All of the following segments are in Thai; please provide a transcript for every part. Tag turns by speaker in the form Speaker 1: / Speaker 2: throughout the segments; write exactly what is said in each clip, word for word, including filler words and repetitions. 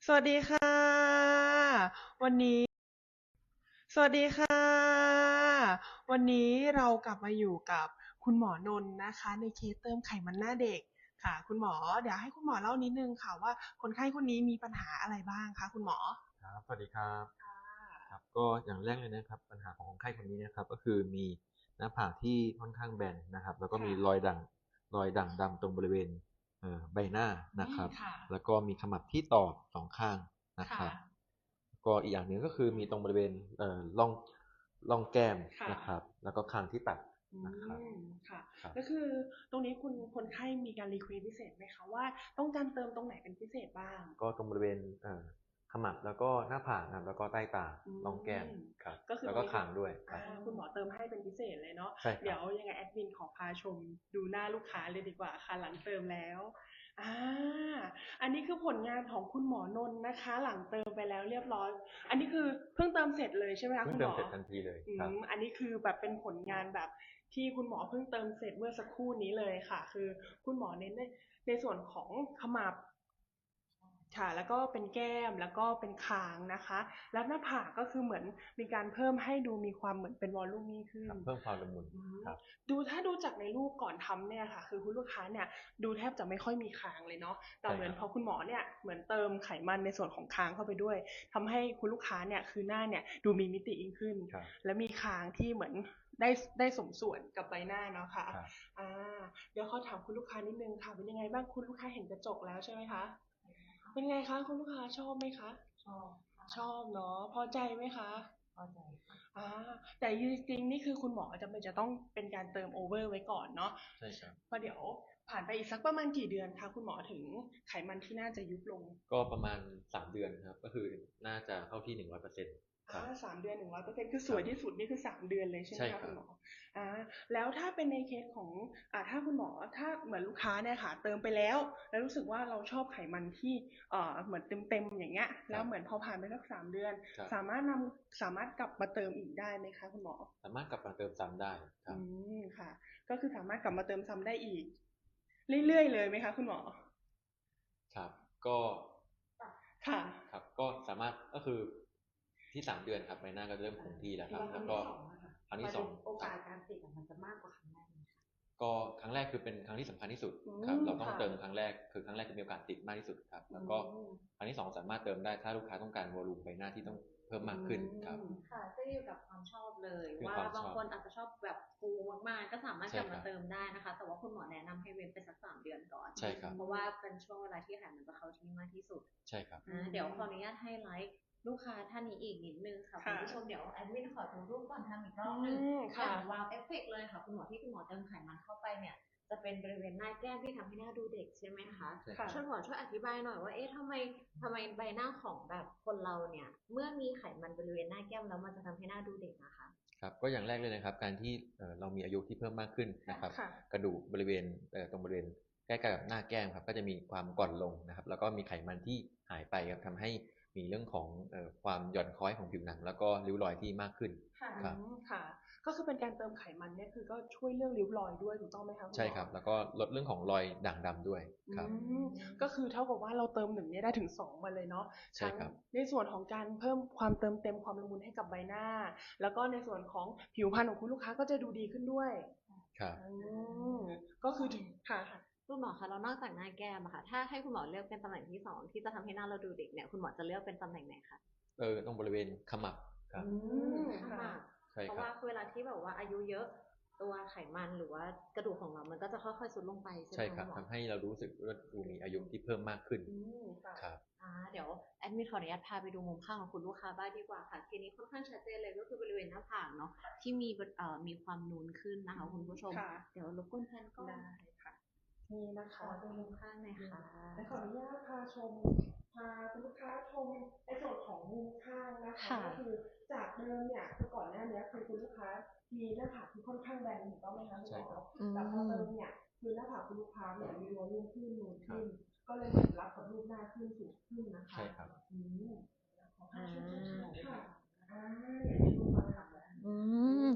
Speaker 1: สวัสดีค่ะวันนี้สวัสดีค่ะวันนี้เรากลับมาอยู่กับคุณหมอนนท์นะคะในเคสเติมไขมันหน้าเด็กค่ะคุณหมอเดี๋ยวให้คุณหมอเล่านิดนึงค่ะว่าคนไข้คนนี้มีปัญหาอะไรบ้างคะคุณหมอ
Speaker 2: ครับสวัสดีครับครับก็อย่างแรกเลยนะครับปัญหาของคนไข้คนนี้นะครับก็คือมีหน้าผากที่ค่อนข้างแบนนะครับแล้วก็มี
Speaker 1: ค่ะ
Speaker 2: รอยด่างรอยด่างดำตรงบริเวณเอ่อใบหน้า
Speaker 1: อื
Speaker 2: นะครับ
Speaker 1: มค่ะ
Speaker 2: แล้วก็มีขมับที่ตอกสองข้างนะค
Speaker 1: ค่ะ
Speaker 2: รับก็อีกอย่างหนึ่งก็คือมีตรงบริเวณเอ่อร่องร่องแก้ม
Speaker 1: ค่ะ
Speaker 2: นะครับแล้วก็คางที่ตัด
Speaker 1: อื
Speaker 2: นะครับ
Speaker 1: มค่ะ
Speaker 2: ครับ
Speaker 1: ก็คือตรงนี้คุณคนไข้มีการรีเควสพิเศษไหมคะว่าต้องการเติมตรงไหนเป็นพิเศษบ้าง
Speaker 2: ก็ตรงบริเวณเอ่อขมับแล้วก็หน้าผากนะครับแล้วก็ใต้ตา
Speaker 1: อื
Speaker 2: ร่องแก้ม
Speaker 1: ม
Speaker 2: ครับ
Speaker 1: ก็คือ
Speaker 2: แล้วก็
Speaker 1: ตรงนี้คุณ
Speaker 2: คางด้วยค
Speaker 1: อ่า
Speaker 2: รับ
Speaker 1: คุณหมอเติมให้เป็นพิเศษเลยเนาะ
Speaker 2: ใช่ครับ
Speaker 1: เดี๋ยวยังไงแอดมินขอพาชมดูหน้าลูกค้าเลยดีกว่าค่ะหลังเติมแล้วอ่าอันนี้คือผลงานของคุณหมอนนท์นะคะหลังเติมไปแล้วเรียบร้อยอันนี้คือเพิ่งเติมเสร็จเลยใช่ไหมคะคุณหมอ
Speaker 2: เพิ่งเติมเสร็จทันทีเลย
Speaker 1: อื
Speaker 2: ครับ
Speaker 1: มอันนี้คือแบบเป็นผลงานแบบที่คุณหมอเพิ่งเติมเสร็จเมื่อสักครู่นี้เลยค่ะคือคุณหมอเน้นในในส่วนของขมับ ค่ะแล้วก็เป็นแก้มแล้วก็เป็นคางนะคะแล้วหน้าผากก็คือเหมือนมีการเพิ่มให้ดูมีความเหมือนเป็นวอลลุ่มมขึ้น
Speaker 2: ครับเพิ่มความละมุน
Speaker 1: อืม
Speaker 2: ครับ
Speaker 1: ดูถ้าดูจากในรูปก่อนทำเนี่ยค่ะคือคุณลูกค้าเนี่ยดูแทบจะไม่ค่อยมีคางเลยเนาะแต่
Speaker 2: ใช่ครับ
Speaker 1: เหมือนพอคุณหมอเนี่ยเหมือนเติมไขมันในส่วนของคางเข้าไปด้วยทำให้คุณลูกค้าเนี่ยคือหน้าเนี่ยดูมีมิติยิ่งขึ้น
Speaker 2: ครับ
Speaker 1: และมีคางที่เหมือนได้ได้สมส่วนกับใบหน้าเนาะค่ะ
Speaker 2: ครับ
Speaker 1: อ่าเดี๋ยวขอถามคุณลูกค้านิดนึงค่ะเป็นยังไงบ้างคุณลูกค้าเห็นกระจกแล้วใช่ไหมคะ เป็นไงคะคุณลูกค้าชอบไหมคะ
Speaker 3: ชอบค่ะ
Speaker 1: ชอบเนาะพอใจไหมคะ
Speaker 3: พอใจค่ะ
Speaker 1: อ่าแต่จริงๆนี่คือคุณหมอจะเป็นจะต้องเป็นการเติมโอเวอร์ไว้ก่อนเนาะ
Speaker 2: ใช่ครับ
Speaker 1: เพราะเดี๋ยวผ่านไปอีกสักประมาณกี่เดือนคะคุณหมอถึงไขมันที่น่าจะยุบลง
Speaker 2: ก็ประมาณสามเดือนครับก็คือน่าจะเข้าที่หนึ่งร้อยเปอร์เซ็นต์ค
Speaker 1: อ่า
Speaker 2: รับ
Speaker 1: สามเดือนหนึ่งร้อยเปอร์เซ็นต์คือส
Speaker 2: ครับ
Speaker 1: วยที่สุดนี่คือสามเดือนเลยใช่ไหม
Speaker 2: ใช่ครับ
Speaker 1: คะคุณหมออ่าแล้วถ้าเป็นในเคสของอ่าถ้าคุณหมอถ้าเหมือนลูกค้าเนี่ยค่ะเติมไปแล้วแล้วรู้สึกว่าเราชอบไขมันที่เอ่อเหมือนเต็มๆอย่างเงี้ย
Speaker 2: ครับ
Speaker 1: แล้วเหมือนพอผ่านไปสักสามเดือน
Speaker 2: ครับ
Speaker 1: สามารถนำสามารถกลับมาเติมอีกได้ไหมคะคุณหมอ
Speaker 2: สามารถกลับมาเติมซ้ำได้ครั
Speaker 1: อื
Speaker 2: บ
Speaker 1: มค่ะก็คือสามารถกลับมาเติมซ้ำได้อีกเรื่อยๆเลยไหมคะคุณหมอ
Speaker 2: ครับก็
Speaker 1: ค่ะ
Speaker 2: ครับก็สามารถก็คือที่สามเดือนครับใบหน้าก็เริ่มคงที่แล้วครับ
Speaker 3: แล้วครั้งที่
Speaker 2: แล้วก็
Speaker 3: สองอะค่ะ
Speaker 2: ครั้งที่สอง
Speaker 3: ประเด็นโอ
Speaker 2: ครับ
Speaker 3: กาสการติดอะมันจะมากกว่าครั้งแรกไหมคะ
Speaker 2: ก็ครั้งแรกคือเป็นครั้งที่สำคัญที่สุด
Speaker 1: อื
Speaker 2: ครับ
Speaker 1: ม
Speaker 2: เราต้อง
Speaker 1: ค่ะ
Speaker 2: เติมครั้งแรกคือครั้งแรกจะมีโอกาสติดมากที่สุดครับ
Speaker 1: อื
Speaker 2: แล้วก็
Speaker 1: ม
Speaker 2: ครั้งที่สองสามารถเติมได้ถ้าลูกค้าต้องการวอลลุ่มใบหน้าที่ต้องเพิ่ม
Speaker 1: อื
Speaker 2: มากขึ้นครับ
Speaker 1: ม
Speaker 3: ค่ะก็อยู่กับความชอบเลย
Speaker 2: คือ
Speaker 3: ว่า
Speaker 2: ความชอบ
Speaker 3: บางคนอาจจะชอบแบบฟูมากๆก็สามารถกลับ
Speaker 2: ใช่ครับ
Speaker 3: มาเติมได้นะคะแต่ว่าคุณหมอแนะนำให้เว้นไปสักสามเดือนก่อน
Speaker 2: ใช่ครับ
Speaker 3: เพราะว่าเป็นช่วงเวลาที่ไขมันจะเข้าที่มากที่สุด
Speaker 2: ใช่ครับ
Speaker 1: อื
Speaker 3: อ่าเดี๋ยวขออนุ
Speaker 1: ม
Speaker 3: ญาตให้ไลฟ์ลูกค้าท่านนี้อีกนิดนึงค่ะคุณ
Speaker 1: ค่ะ
Speaker 3: ผู้ชมเดี๋ยวแอดมินขอดูรูปก่อนทำอีกร
Speaker 1: อื
Speaker 3: อบหนึ่ง
Speaker 1: มค่ะ
Speaker 3: อย่างวาวเอฟเฟกเลยค่ะคุณหมอที่คุณหมอเติมไขมันเข้าไปเนี่ย จะเป็นบริเวณหน้าแก้มที่ทำให้หน้าดูเด็กใช่ไหมคะ
Speaker 2: ใช่ค
Speaker 1: ค่ะ
Speaker 2: รับ
Speaker 3: ช่วยหมอช่วยอธิบายหน่อยว่าเอ๊ะทำไมทำไมใบหน้าของแบบคนเราเนี่ยเมื่อมีไขมันบริเวณหน้าแก้มแล้วมันจะทำให้หน้าดูเด็กนะคะ
Speaker 2: ครับก็อย่างแรกเลยนะครับการที่เอ่อเรามีอายุที่เพิ่มมากขึ้นนะครับ
Speaker 1: ค่ะ
Speaker 2: กระดูกบริเวณเอ่อตรงบริเวณใกล้ๆกับหน้าแก้มครับก็จะมีความก่อนลงนะครับแล้วก็มีไขมันที่หายไปครับทำให้มีเรื่องของเอ่อความหย่อนคล้อยของผิวหนังแล้วก็ริ้วรอยที่มากขึ้น
Speaker 1: ค่ะอื
Speaker 2: ครับ
Speaker 1: มค่ะก็คือเป็นการเติมไขมันเนี่ยคือก็ช่วยเรื่องริ้วรอยด้วยถูกต้องไหมคะคุณ
Speaker 2: ใช่
Speaker 1: หมอ
Speaker 2: ครับแล้วก็ลดเรื่องของรอยด่างดำด้วย
Speaker 1: อื
Speaker 2: ครับ
Speaker 1: มก็คือเท่ากับว่าเราเติมหนึ่งเนี่ยได้ถึงสองมาเลยเนาะทั้ง
Speaker 2: ใช่ครับ
Speaker 1: ในส่วนของการเพิ่มความเติมเต็มความละมุนให้กับใบหน้าแล้วก็ในส่วนของผิวพรรณของคุณลูกค้าก็จะดูดีขึ้นด้วย
Speaker 2: ครับ
Speaker 1: อืมก็คือถึงค่ะ
Speaker 3: คุณหมอคะแล้วนอกจากหน้าแก้มอะค่ะถ้าให้คุณหมอเลือกเป็นตำแหน่งที่สองที่จะทำให้หน้าเราดูเด็กเนี่ยคุณหมอจะเลือกเป็นตำแหน่งไหนคะ
Speaker 2: เออตรงบริเวณขมับค
Speaker 1: อื
Speaker 2: รับ
Speaker 1: ม
Speaker 3: ข้าง
Speaker 1: ค่ะ
Speaker 3: มากเพราะ
Speaker 2: ใช่ครับ
Speaker 3: ว่าเวลาที่แบบว่าอายุเยอะตัวไขมันหรือว่ากระดูกของเรามันก็จะค่อยๆซุดลงไปใช่ไหม
Speaker 2: ใช่ค
Speaker 3: คะคุณหมอ
Speaker 2: รับทำให้เรารู้สึกว่าดูมีอายุที่เพิ่มมากขึ้น
Speaker 1: อืมค่ะ
Speaker 2: ครับ
Speaker 3: อ่าเดี๋ยวแอดมินขออนุญาตพาไปดูมุมข้างของคุณลูกค้าบ้างดีกว่าค่ะทีนี้ค่อนข้างชัดเจนเลยก็คือบริเวณหน้าผากเนาะที่มีเอ่อมีความนูนขึ้นนะคะคุณผู้ชม
Speaker 1: ค่ะ
Speaker 3: เดี๋ยวรบกวนแฟนก็
Speaker 1: ได้ค่ะนี่นะ
Speaker 3: ขอ
Speaker 1: คะ
Speaker 3: ดูมุมข้างหน่อยค่ะ
Speaker 1: และขออนุญาตพาชมพาคุณลูกค้าชมในส่วนของมุมข้างนะคะ
Speaker 3: ค่ะ
Speaker 1: ก็คือจากเดิมเนี่ยคือก่อนหน้านี้คือคุณลูกค้ามีหน้าผากที่ค่อนข้างแบนถูกต้องไหมคะคุณหมอ
Speaker 2: ใช่ครับ
Speaker 3: อื
Speaker 1: แต่พอ
Speaker 3: ม
Speaker 1: เติมเนี่ยคือหน้าผากคุณลูกค้าเนี่ยมีวอลลุ่มขึ้นนูน
Speaker 2: ครับ
Speaker 1: ขึ้นก็เลยเหมือนรับกับรูปหน้าขึ้นสูงขึ้นนะคะ
Speaker 2: ใช่ครับ
Speaker 1: อืมขอพา
Speaker 3: อ่
Speaker 1: ชมชัด
Speaker 3: า
Speaker 1: ๆค่ะอ่าอย่างที่ลูกค้าทำแล้ว
Speaker 3: อื
Speaker 1: อื
Speaker 3: ม
Speaker 1: มค่ะ
Speaker 3: โห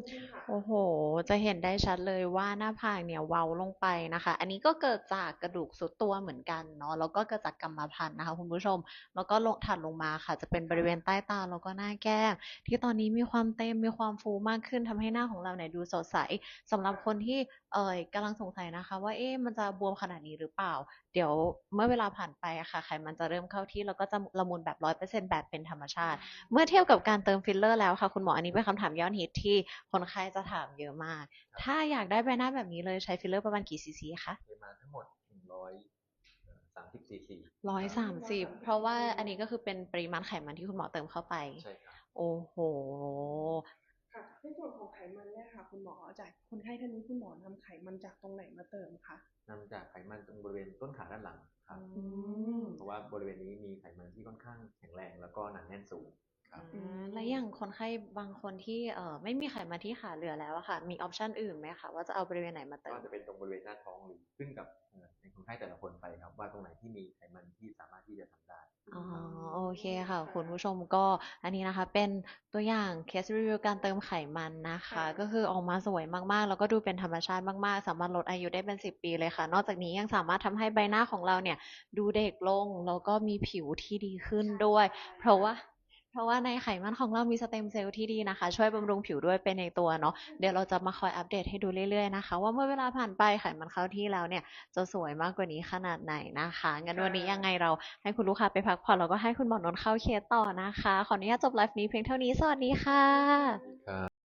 Speaker 3: โอ้โห จะเห็นได้ชัดเลยว่าหน้าผากเนี่ยเว้าลงไปนะคะ อันนี้ก็เกิดจากกระดูกทรุดตัวเหมือนกันเนาะ แล้วก็เกิดจากกรรมพันธุ์นะคะคุณผู้ชม แล้วก็ลงถัดลงมาค่ะ จะเป็นบริเวณใต้ตาแล้วก็หน้าแก้มที่ตอนนี้มีความเต็มมีความฟูมากขึ้นทำให้หน้าของเราเนี่ยดูสดใสสำหรับคนที่เอ่อกำลังสงสัยนะคะว่าเอ๊ะมันจะบวมขนาดนี้หรือเปล่า เดี๋ยวเมื่อเวลาผ่านไปอะค่ะไขมันจะเริ่มเข้าที่แล้วก็จะละมุนแบบร้อยเปอร์เซ็นต์แบบเป็นธรรมชาติ เมื่อเทียบกับการเติมฟิลเลอร์แล้วค่ะคุณหมออันนี้เป็นคำถามยอดฮิตที่คนไข้จะถามเยอะมาก ถ้าอยากได้ใบหน้าแบบนี้เลยใช้ฟิลเลอร์ประมาณกี่ซีซีคะ
Speaker 2: ปริมาณทั้งหมดหนึ่งร้อยสามสิบซีซี
Speaker 3: ร้อยสามสิบเพราะว่าอันนี้ก็คือเป็นปริมาณไขมันที่คุณหมอเติมเข้าไป
Speaker 2: ใช่ครับ
Speaker 3: โอ้โห
Speaker 1: ค่ะในส่วนของไขมันเนี่ยค่ะคุณหมอจากคนไข้ท่านนี้คุณหมอนำไขมันจากตรงไหนมาเติมคะ
Speaker 2: นำจากไขมันตรงบริเวณต้นขาด้านหลังครับ
Speaker 1: อืม
Speaker 2: เพราะว่าบริเวณนี้มีไขมันที่ค่อนข้างแข็งแรงแล้วก็หนาแน่นสูงครับ
Speaker 3: อ่าแล้วอย่างคนไข้บางคนที่เอ่อไม่มีไขมันที่ขาเหลือแล้วอะค่ะ มีออปชันอื่นไหมคะว่าจะเอาบริเวณไหนมาเติ
Speaker 2: ก็
Speaker 3: ม
Speaker 2: จะเป็นตรงบริเวณหน้าท้องหรือขึ้นกับเอ่อในคนไข้แต่ละคนไปครับว่าตรงไหนที่มีไขมันที่สามารถที่จะทำได้
Speaker 3: อ๋อ
Speaker 2: ครับ
Speaker 3: โอเคค่ะคุณผู้ชมก็อันนี้นะคะเป็นตัวอย่างเคสรีวิวการเติมไขมันนะคะก็คือออกมาสวยมากๆแล้วก็ดูเป็นธรรมชาติมากๆสามารถลดอายุได้เป็นสิบปีเลยค่ะนอกจากนี้ยังสามารถทำให้ใบหน้าของเราเนี่ยดูเด็กลงแล้วก็มีผิวที่ดีขึ้นด้วยเพราะว่าเพราะว่าในไขมันของเรามีสเต็มเซลล์ที่ดีนะคะช่วยบำรุงผิวด้วยเป็นในตัวเนาะเดี๋ยวเราจะมาคอยอัปเดตให้ดูเรื่อยๆนะคะว่าเมื่อเวลาผ่านไปไขมันเข้าที่แล้วเนี่ยจะสวยมากกว่านี้ขนาดไหนนะคะงั้นวันนี้ยังไงเรา ให้คุณลูกค้าไปพักผ่อนแล้วก็ให้คุณหมอนนท์เข้าเคสต่อนะคะ ขออนุญาตจบไลฟ์นี้เพียงเท่านี้ สวัสดีค่ะ
Speaker 2: ครับ